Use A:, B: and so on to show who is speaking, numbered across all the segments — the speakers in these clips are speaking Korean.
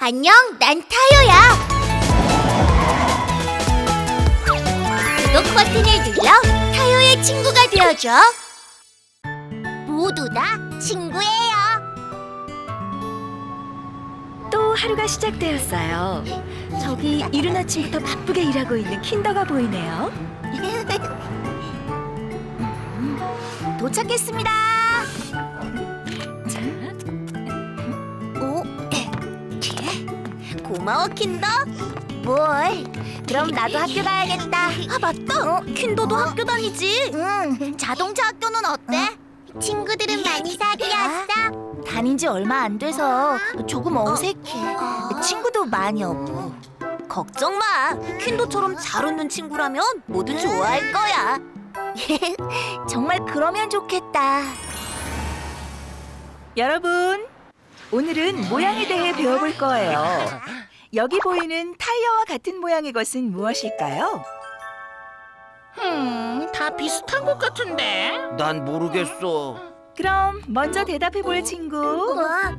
A: 안녕, 난 타요야. 구독 버튼을 눌러 타요의 친구가 되어줘. 모두 다 친구예요.
B: 또 하루가 시작되었어요. 저기 이른 아침부터 바쁘게 일하고 있는 킨더가 보이네요.
A: 도착했습니다.
B: 자,
A: 오, 고마워 킨더. 뭘? 그럼 나도 학교 가야겠다. 아 맞다. 킨더도 학교 다니지. 응. 자동차 학교는 어때? 친구들은 많이 사귀었어? 다닌 지 얼마 안 돼서 조금 어색해. 친구도 많이 없고. 걱정 마. 킨더처럼 잘 웃는 친구라면 모두 좋아할 거야. 정말 그러면 좋겠다.
B: 여러분, 오늘은 모양에 대해 배워볼 거예요. 여기 보이는 타이어와 같은 모양의 것은 무엇일까요?
C: 다 비슷한 것 같은데.
D: 난 모르겠어.
B: 그럼 먼저 대답해볼 친구.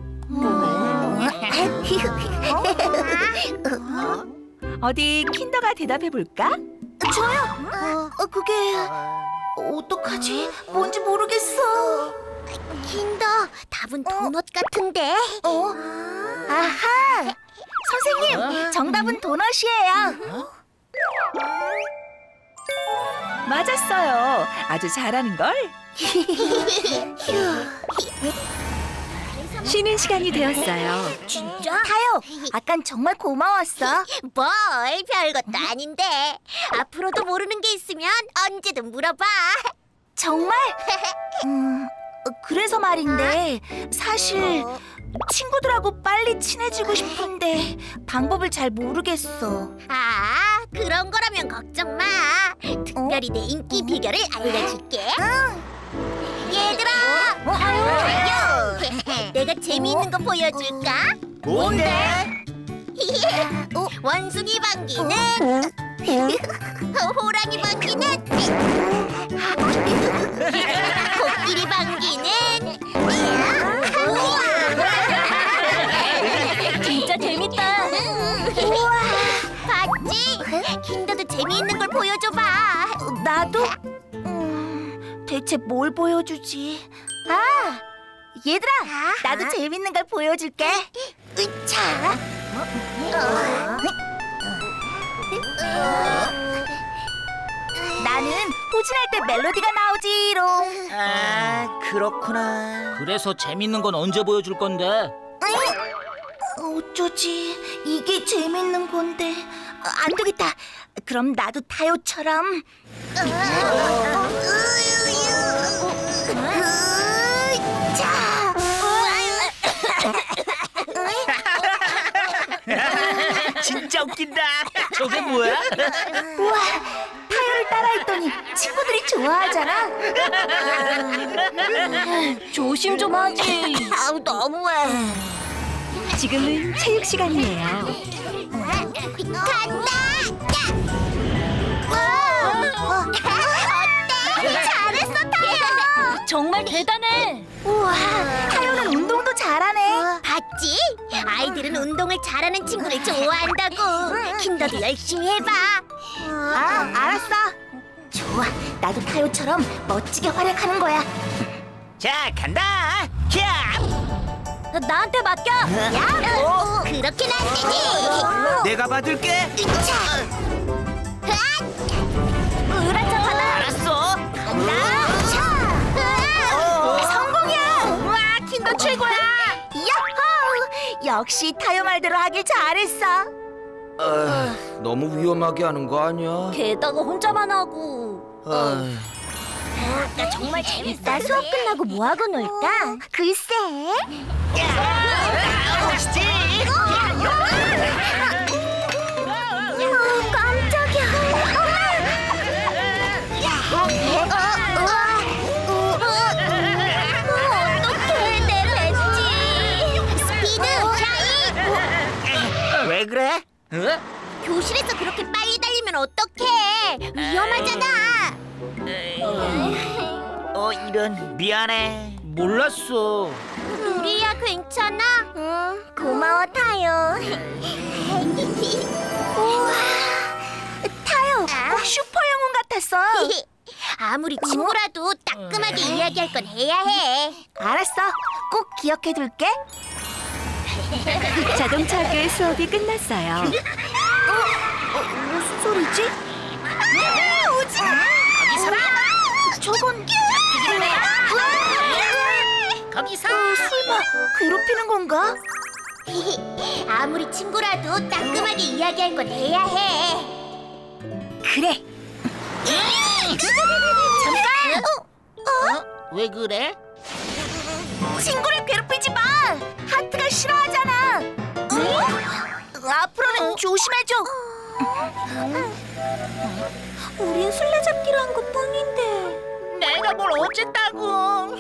B: 어디 킨더가 대답해볼까?
A: 저요? 그게 어떡하지? 뭔지 모르겠어. 킨더, 답은 도넛 같은데. 아하! 선생님, 정답은 도넛이에요.
B: 맞았어요. 아주 잘하는걸. 쉬는 시간이 되었어요.
A: 진짜? 타요, 아깐 정말 고마웠어. 뭘, 별것도 아닌데. 앞으로도 모르는 게 있으면 언제든 물어봐. 정말? 그래서 말인데 사실 친구들하고 빨리 친해지고 싶은데 방법을 잘 모르겠어. 아, 그런 거라면 걱정 마. 특별히 내 인기 비결을 알려줄게. 얘들아! 내가 재미있는 거 보여줄까?
D: 뭔데?
A: 원숭이 방귀는 호랑이 방귀는 코끼리 방귀는 진짜 재밌다. 우와, 봤지? 킨더도 재미있는 걸 보여줘봐. 나도? 대체 뭘 보여주지? 아, 얘들아, 나도 재밌는 걸 보여줄게. 으차. 나는 후진할 때 멜로디가 나오지롱.
D: 아, 그렇구나.
C: 그래서 재밌는 건 언제 보여줄 건데?
A: 어쩌지? 이게 재밌는 건데. 안 되겠다. 그럼 나도 타요처럼.
D: 진짜 웃긴다. 저게 뭐야?
A: 우와, 타요를 따라했더니 친구들이 좋아하잖아. 조심 좀 하지. 아우, 너무해.
B: 지금은 체육 시간이에요.
A: 간다. 어때? 잘했어, 타요. 정말 대단해. 우와, 타요는 운동도 잘하네. 봤지? 아이들은 운동을 잘하는 친구를 좋아한다고. 킨더도 열심히 해봐. 아, 알았어. 좋아, 나도 타요처럼 멋지게 활약하는 거야.
D: 자, 간다. 캬!
A: 나한테 맡겨. 야, 그렇게는 안 되지.
D: 내가 받을게.
A: 으라차 받아.
D: 알았어.
A: 간다. 성공이야. 우와, 킨더 최고야. 야호! 역시 타요 말대로 하길 잘했어.
D: 너무 위험하게 하는 거 아니야?
A: 게다가 혼자만 하고. 나 정말 재밌다. 수업 끝나고 뭐 하고 놀까? 글쎄.
D: 멋있지?
A: 깜짝이야. 어떡해, 내렸지. 스피드 샤이.
D: 왜 그래?
A: 교실에서 그렇게 빨리 달리면 어떡해. 위험하잖아.
D: 이런. 미안해.
C: 몰랐어.
A: 우리야 괜찮아? 응, 고마워 타요. 아무리 친구라도 따끔하게 이야기할 건 해야 해.
B: 알았어. 꼭 기억해둘게.
E: 자동차 학교의 수업이 끝났어요.
B: 무슨 소리지? 오지 마!
C: 거기 서라.
B: 저건
C: 거기 서.
B: 설마 괴롭히는 건가?
A: 아무리 친구라도 따끔하게 이야기할 건 해야 해.
B: 그래.
A: 잠깐.
C: 왜 그래?
B: 친구를 괴롭히지 마. 하트가 싫어하잖아. 앞으로는 조심해줘. 우린 술래잡기로 한 것뿐인데.
C: 내가 뭘 어쨌다고?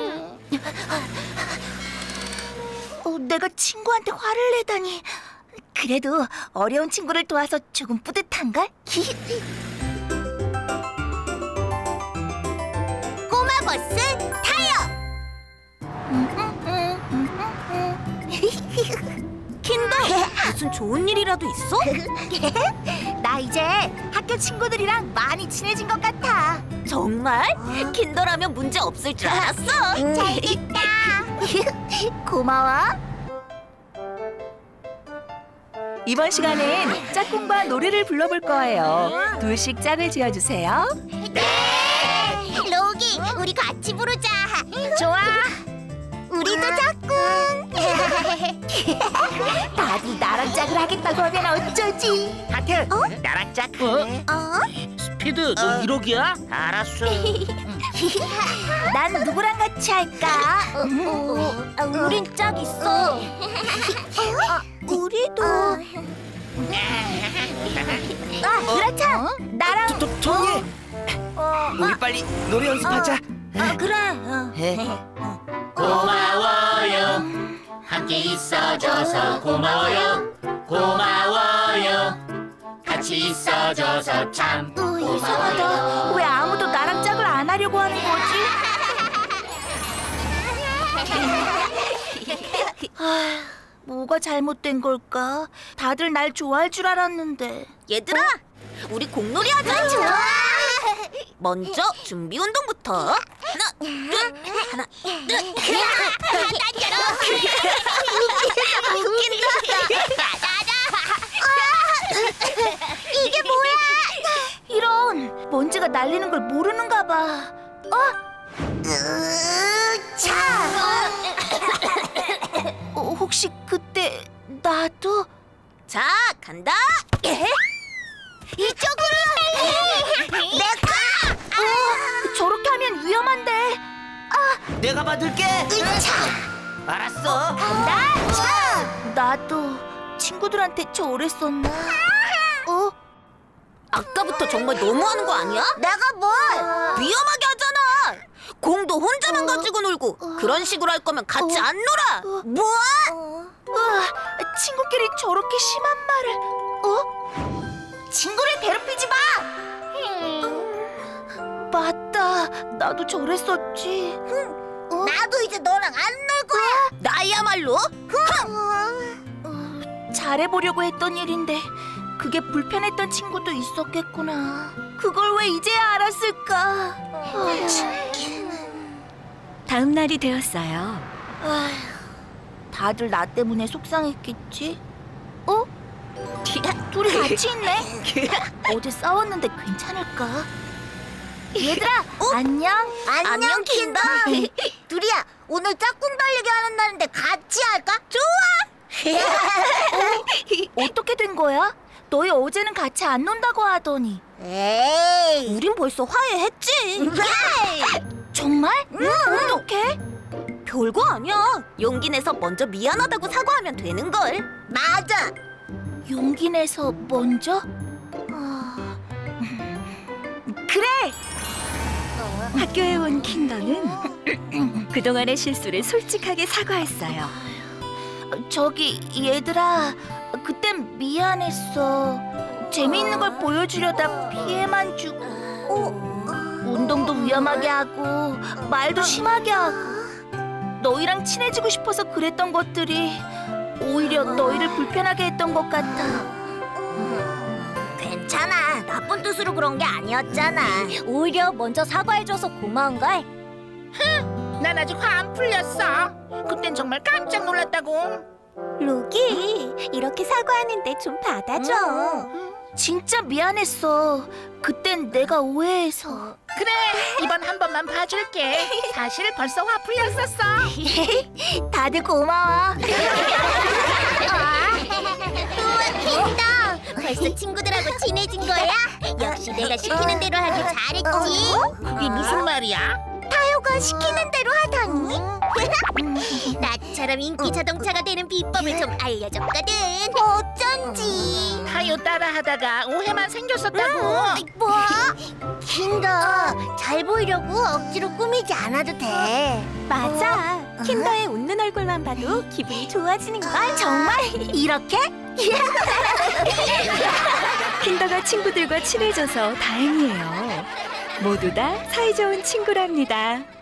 B: 내가 친구한테 화를 내다니. 그래도 어려운 친구를 도와서 조금 뿌듯한걸?
A: 꼬마 버스 타요.
B: 킨더, 무슨 좋은 일이라도 있어? 나 이제 학교 친구들이랑 많이 친해진 것 같아. 정말? 킨더라면 문제 없을 줄 알았어.
A: 잘됐다.
B: 고마워. 이번 시간엔 짝꿍과 노래를 불러볼 거예요. 둘씩 짝을 지어주세요.
A: 로기, 우리 같이 부르자.
B: 좋아.
A: 우리도 짝꿍.
B: 다들 나랑 짝을 하겠다고 하면 어쩌지?
D: 하트, 나랑 짝할래?
C: 스피드, 너 1호기야?
D: 알았어.
B: 난 누구랑 같이 할까?
A: 우린 짝 있어.
B: 우리도. 그렇죠. 나랑.
D: 토니, 우리 빨리 노래 연습하자.
B: 그래.
C: 고마워요. 함께 있어줘서 고마워요. 고마워요. 같이 있어줘서 참
B: 이상하다. 왜 아무도 나랑 짝을 안 하려고 하는 거지? 뭐가 잘못된 걸까? 다들 날 좋아할 줄 알았는데.
E: 얘들아, 우리 공놀이 하자.
A: 좋아.
E: 먼저 준비 운동부터. 하나, 둘, 하나, 둘.
A: 이게 뭐야?
B: 이런, 먼지가 날리는 걸 모르는가 봐. 혹시 그때 나도?
E: 자, 간다.
A: 이쪽으로. 내가.
B: 저렇게 하면 위험한데.
D: 내가 받을게. 알았어.
B: 나도 친구들한테 저랬었나?
E: 아까부터 정말 너무하는 거 아니야?
A: 내가 뭘?
E: 위험하게 하잖아. 공도 혼자만 가지고 놀고 그런 식으로 할 거면 같이 안 놀아.
A: 뭐?
B: 친구끼리 저렇게 심한 말을. 친구를 괴롭히지 마. 맞다. 나도 저랬었지.
A: 나도 이제 너랑 안 놀 거야.
E: 나야말로.
B: 잘해보려고 했던 일인데 그게 불편했던 친구도 있었겠구나. 그걸 왜 이제야 알았을까?
E: 다음 날이 되었어요.
B: 다들 나 때문에 속상했겠지? 둘이 같이 있네? 어제 싸웠는데 괜찮을까? 얘들아, 안녕?
A: 안녕 킨더. 둘이야, 오늘 짝꿍 달리기 하는 날인데 같이 할까? 좋아.
B: 어떻게 된 거야? 너희 어제는 같이 안 논다고 하더니.
A: 에이.
E: 우린 벌써 화해했지.
B: 정말? 어떡해?
E: 별거 아니야. 용기 내서 먼저 미안하다고 사과하면 되는 걸.
A: 맞아.
B: 용기 내서 먼저? 그래!
E: 학교에 온 킨더는 그동안의 실수를 솔직하게 사과했어요.
B: 저기 얘들아, 그땐 미안했어. 재미있는 걸 보여주려다 피해만 주고 운동도 위험하게 하고 말도 심하게 하고 너희랑 친해지고 싶어서 그랬던 것들이 오히려 너희를 불편하게 했던 것 같아.
A: 괜찮아. 나쁜 뜻으로 그런 게 아니었잖아.
B: 오히려 먼저 사과해줘서 고마운걸.
C: 난 아직 화 안 풀렸어. 그땐 정말 깜짝 놀랐다고.
B: 로기, 이렇게 사과하는데 좀 받아줘.
A: 진짜 미안했어. 그땐 내가 오해해서.
C: 그래, 이번 한 번만 봐줄게. 사실 벌써 화 풀렸었어.
A: 다들 고마워. 우와, 킨더. 벌써 친구들하고 친해진 거야? 역시 내가 시키는 대로 하길 잘했지.
C: 그게 무슨 말이야?
A: 타요가 시키는 대로 하다니. 나처럼 인기 자동차가 되는 비법을 좀 알려줬거든. 어쩐지.
C: 타요 따라하다가 오해만 생겼었다고.
A: 뭐? 킨더, 잘 보이려고 억지로 꾸미지 않아도 돼.
B: 맞아. 킨더의 웃는 얼굴만 봐도 기분이 좋아지는 걸.
A: 정말? 이렇게?
F: 킨더가 친구들과 친해져서 다행이에요. 모두 다 사이좋은 친구랍니다.